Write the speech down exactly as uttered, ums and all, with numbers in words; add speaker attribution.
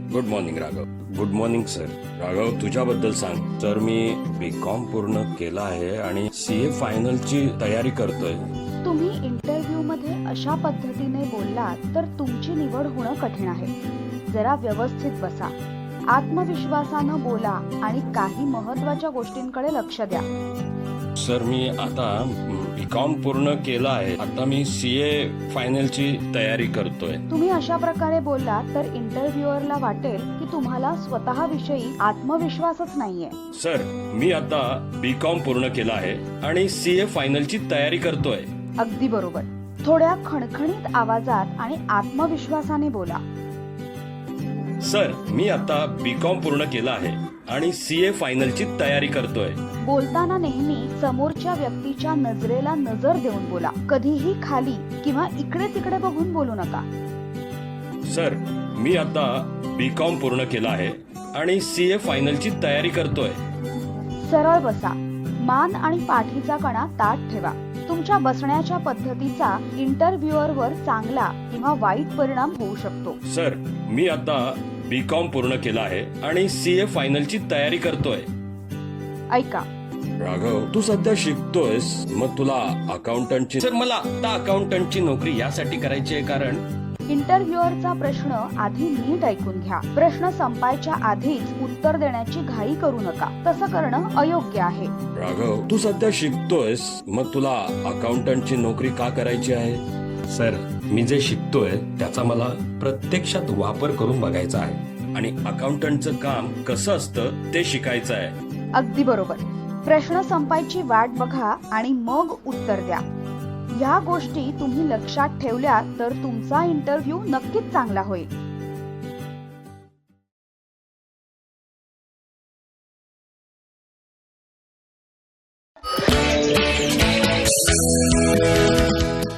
Speaker 1: Good morning Raghav. Good morning sir. Raghav, तुझ्याबद्दल सांग. Sir, मी बी com पूर्ण केला आहे आणि सी ए फायनलची तयारी करतोय.
Speaker 2: तुम्ही इंटरव्ह्यू मध्ये अशा पद्धतीने बोललात तर तुमची निवड होणं कठीण आहे. जरा व्यवस्थित बसा, आत्मविश्वासानं बोला आणि काही महत्वाच्या गोष्टींकडे लक्ष द्या.
Speaker 1: सर, मी आता बी कॉम पूर्ण केला आहे. आता मी सी ए फायनलची तयारी करतोय.
Speaker 2: तुम्ही अशा प्रकारे बोललात तर इंटरव्ह्युअरला वाटेल की तुम्हाला स्वतःविषयी आत्मविश्वासच नाहीये.
Speaker 1: सर, मी आता बी कॉम पूर्ण केला आहे आणि सी ए फायनलची तयारी करतोय.
Speaker 2: अगदी बरोबर. थोड्या खणखणीत आवाजात आणि आत्मविश्वासाने बोला.
Speaker 1: सर, मी आता बी कॉम पूर्ण केला आहे आणि सी ए फायनलची तयारी करतोय.
Speaker 2: बोलताना नेहमी समोरच्या व्यक्तीच्या नजरेला नजर देऊन बोला. कधीही खाली किंवा इकडे तिकडे बघून बोलू नका.
Speaker 1: सर, मी आता बी कॉम पूर्ण केला आहे आणि सी ए फायनलची तयारी करतोय.
Speaker 2: सरळ बसा. मान आणि पाठीचा कणा ताठ ठेवा. तुमच्या बसण्याच्या पद्धतीचा इंटरव्ह्युअर वर चांगला किंवा वाईट परिणाम होऊ शकतो.
Speaker 1: सर, मी आता बी कॉम पूर्ण केला आहे आणि सी ए फायनलची तयारी करतोय.
Speaker 2: ऐका
Speaker 1: राघव, तू सध्या शिकतोयस, मग तुला अकाउंटंटची. सर, मला आता अकाउंटंटची नोकरी यासाठी करायची आहे कारण
Speaker 2: इंटरव्ह्युअरचा प्रश्न आधी नीट ऐकून घ्या. प्रश्न संपायच्या आधीच उत्तर देण्याची घाई करू नका. तसं करणं अयोग्य आहे.
Speaker 1: राघव, तू सध्या शिकतोयस, मग तुला अकाउंटंटची नोकरी का करायची आहे? सर, मी जे शिकतोय त्याचा मला प्रत्यक्षात वापर करून बघायचा आहे आणि अकाउंटंटचं काम कसं असतं ते शिकायचं आहे.
Speaker 2: अगदी बरोबर. प्रश्न संपायची वाट बघा आणि मग उत्तर द्या. ह्या गोष्टी तुम्ही लक्षात ठेवल्या तर तुमचा इंटरव्ह्यू नक्कीच चांगला होईल.